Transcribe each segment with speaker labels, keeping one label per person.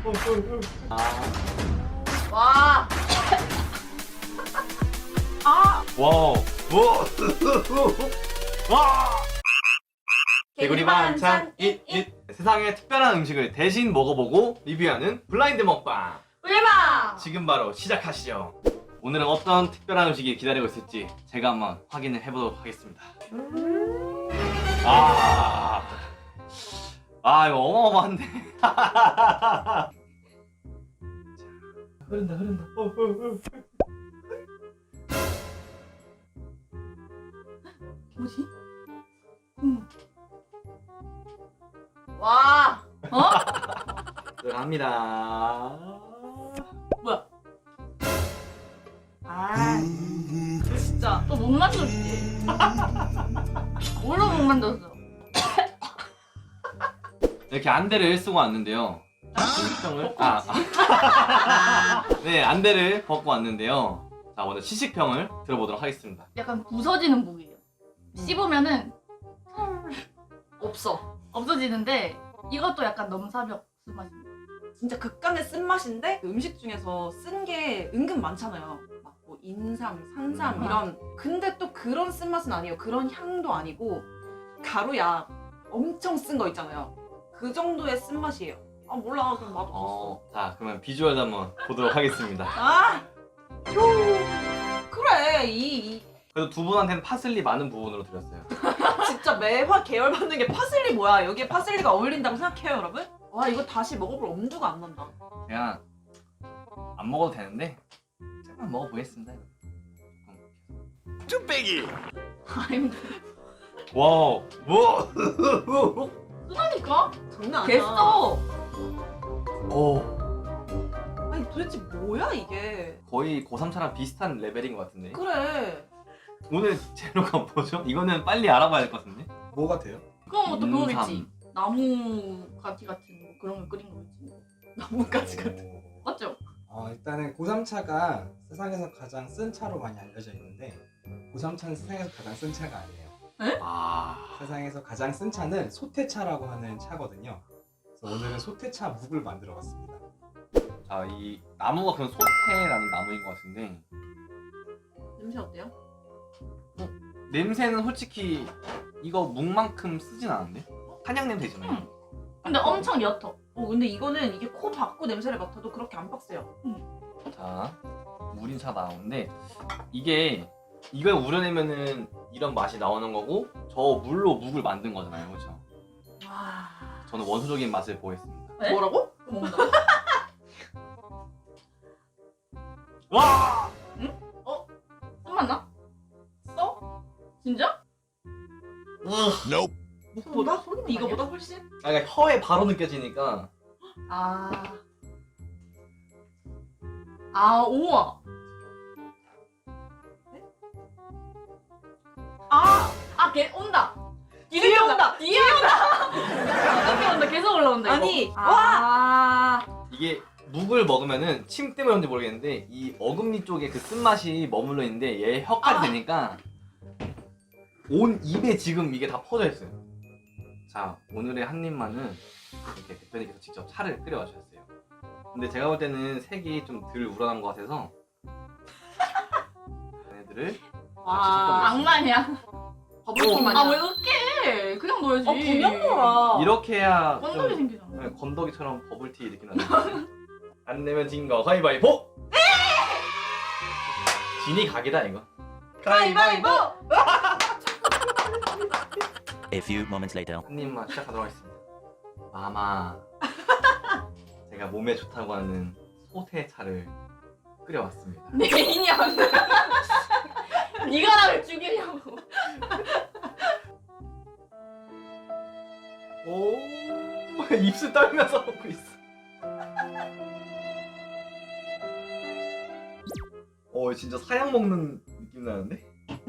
Speaker 1: 와. 아.
Speaker 2: 와우. 와. 개구리 반찬 잇잇. 세상의 특별한 음식을 대신 먹어보고 리뷰하는 블라인드 먹방.
Speaker 1: 울마.
Speaker 2: 지금 바로 시작하시죠. 오늘은 어떤 특별한 음식이 기다리고 있을지 제가 한번 확인을 해보도록 하겠습니다. 이거 어마어마한데. 자, 흐른다.
Speaker 1: 뭐지? 와.
Speaker 2: 들어갑니다.
Speaker 1: 뭐야? 진짜 또 못 만들었지? 뭘로 못 만들었어?
Speaker 2: 이렇게 안대를 쓰고 왔는데요. 시식평을 네, 안대를 벗고 왔는데요. 자, 먼저 시식평을 들어보도록 하겠습니다.
Speaker 1: 약간 부서지는 무기예요. 씹으면은 없어지는데 이것도 약간 넘사벽 쓴맛입니다.
Speaker 3: 진짜 극강의 쓴맛인데 음식 중에서 쓴 게 은근 많잖아요. 막 뭐 인삼, 산삼 이런. 근데 또 그런 쓴맛은 아니에요. 그런 향도 아니고 가루약 엄청 쓴 거 있잖아요. 그 정도의 쓴맛이에요. 아 몰라, 그럼 맛없었어.
Speaker 2: 자, 그러면 비주얼도 한번 보도록 하겠습니다.
Speaker 3: 휴. 그래
Speaker 2: 그래도 두 분한테는 파슬리 많은 부분으로 드렸어요.
Speaker 3: 진짜 매화 계열 받는 게 파슬리 뭐야? 여기에 파슬리가 어울린다고 생각해요, 여러분? 와 이거 다시 먹어볼 엄두가 안 난다.
Speaker 2: 그냥 안 먹어도 되는데 조금만 먹어보겠습니다.
Speaker 4: 쭈빼기.
Speaker 1: 아니
Speaker 2: 와우.
Speaker 1: 쓰다니까?
Speaker 3: 장난 아니야.
Speaker 1: 됐어.
Speaker 2: 오.
Speaker 3: 아니 도대체 뭐야 이게?
Speaker 2: 거의 고3차랑 비슷한 레벨인 것 같은데.
Speaker 3: 그래.
Speaker 2: 오늘 재료가 뭐죠? 이거는 빨리 알아봐야 될 것 같은데.
Speaker 4: 뭐 같아요?
Speaker 1: 그럼 또 그거겠지.
Speaker 2: 인삼.
Speaker 1: 나무 가지 같은 거 그런 거 끓인 거겠지. 나무가지 같은 거. 맞죠?
Speaker 4: 일단은 고3차가 세상에서 가장 쓴 차로 많이 알려져 있는데 고3차는 세상에서 가장 쓴 차가 아니에요. 세상에서 가장 쓴 차는 소태차라고 하는 차거든요. 그래서 오늘은 소태차 묵을 만들어 봤습니다.
Speaker 2: 자, 이 나무가 그냥 소태라는 나무인 것 같은데
Speaker 3: 냄새 어때요?
Speaker 2: 냄새는 솔직히 이거 묵만큼 쓰진 않은데? 한약 냄새잖아요.
Speaker 1: 근데 엄청 옅어.
Speaker 3: 근데 이거는 이게 코 박고 냄새를 맡아도 그렇게 안 빡세요.
Speaker 2: 자, 물인 차 나오는데 이걸 우려내면은 이런 맛이 나오는 거고 저 물로 묵을 만든 거잖아요, 그렇죠?
Speaker 3: 와.
Speaker 2: 저는 원초적인 맛을 보겠습니다.
Speaker 1: 네?
Speaker 3: 뭐라고?
Speaker 1: 그거 먹는다.
Speaker 2: 와!
Speaker 1: 쓴맛나? 써? 진짜?
Speaker 4: Nope.
Speaker 3: 묵보다?
Speaker 1: 소리는
Speaker 3: 이거보다 훨씬?
Speaker 2: 그러니까 혀에 바로 느껴지니까
Speaker 1: 우와. 걔 온다.
Speaker 3: 뒤에 온다.
Speaker 1: 뒤에 온다. 계속 올라온다.
Speaker 3: 아니,
Speaker 1: 이거.
Speaker 2: 이게 묵을 먹으면은 침 때문에 그런지 모르겠는데 이 어금니 쪽에 그 쓴맛이 머물러 있는데 얘 혀까지 되니까 온 입에 지금 이게 다 퍼져 있어요. 자, 오늘의 한 입만은 이렇게 대표님께서 직접 차를 끓여 주셨어요. 근데 제가 볼 때는 색이 좀 덜 우러난 것 같아서 얘네들을
Speaker 3: 와.
Speaker 1: 악마냐?
Speaker 3: 버블티 마냥.
Speaker 1: 왜 으깨? 그냥 넣어야지.
Speaker 3: 그냥 넣어라.
Speaker 2: 이렇게 해야
Speaker 1: 건더기
Speaker 2: 좀
Speaker 1: 생기잖아.
Speaker 2: 건더기처럼 버블티 느낌 나는데 안 내면 진 거 가위바위보! 진이 각이다 이거.
Speaker 3: 가위바위보!
Speaker 5: A few moments later.
Speaker 2: 한 입만 시작하도록 하겠습니다. 마마 제가 몸에 좋다고 하는 소태차를 끓여왔습니다.
Speaker 1: 내 인연. 네가 나를 죽이려고.
Speaker 2: 오 입술 떨면서 먹고 있어. 진짜 사약 먹는 느낌 나는데?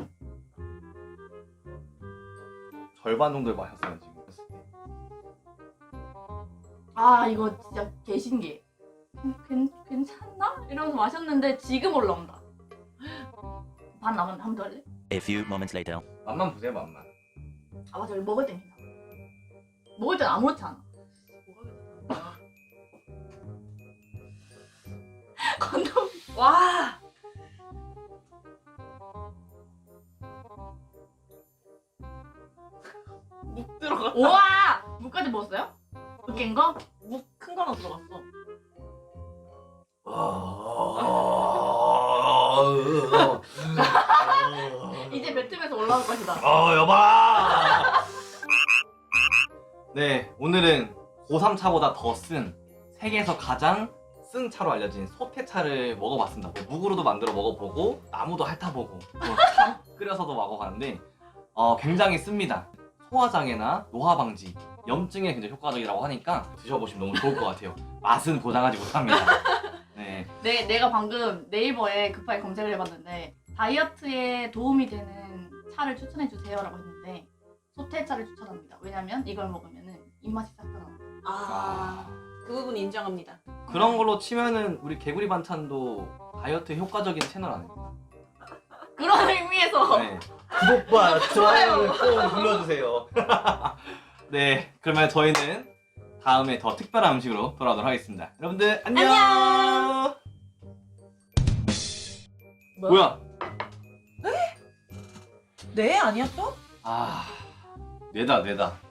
Speaker 2: 절반 정도를 마셨어요 지금.
Speaker 1: 이거 진짜 개신기해. 괜찮나? 이러면서 마셨는데 지금 올라온다. 반 남았는데 한 번 더 할래?
Speaker 5: A few moments later.
Speaker 2: 맛만 보세요 맛만.
Speaker 1: 맞아, 이거 먹을 땐 괜찮아. 먹을 땐 아무렇지 않아.
Speaker 3: 와. 묵 들어갔다.
Speaker 1: 우와! 무까지 먹었어요? 으깬 거?
Speaker 3: 묵큰 거나 들어갔어.
Speaker 1: 이제 뱉으면서 올라올 것이다.
Speaker 2: 여봐. 네, 오늘은 고3차보다 더 쓴 세계에서 가장 쓴 차로 알려진 소태차를 먹어봤습니다. 네, 묵으로도 만들어 먹어보고 나무도 핥아보고 참 끓여서도 먹어봤는데 굉장히 씁니다. 소화장애나 노화 방지, 염증에 굉장히 효과적이라고 하니까 드셔보시면 너무 좋을 것 같아요. 맛은 보장하지 못합니다. 네.
Speaker 1: 내가 방금 네이버에 급하게 검색을 해봤는데 다이어트에 도움이 되는 차를 추천해주세요라고 했는데 소태차를 추천합니다. 왜냐면 이걸 먹으면 입맛이 싹 나옵니다.
Speaker 3: 그 부분 인정합니다.
Speaker 2: 그런 걸로 치면은 우리 개구리 반찬도 다이어트 효과적인 채널 아닙니까?
Speaker 1: 그런 의미에서
Speaker 2: 네. 구독과 좋아요를 꼭 눌러주세요. 네, 그러면 저희는 다음에 더 특별한 음식으로 돌아오도록 하겠습니다. 여러분들 안녕. 뭐야?
Speaker 3: 네 아니야 또?
Speaker 2: 뇌다.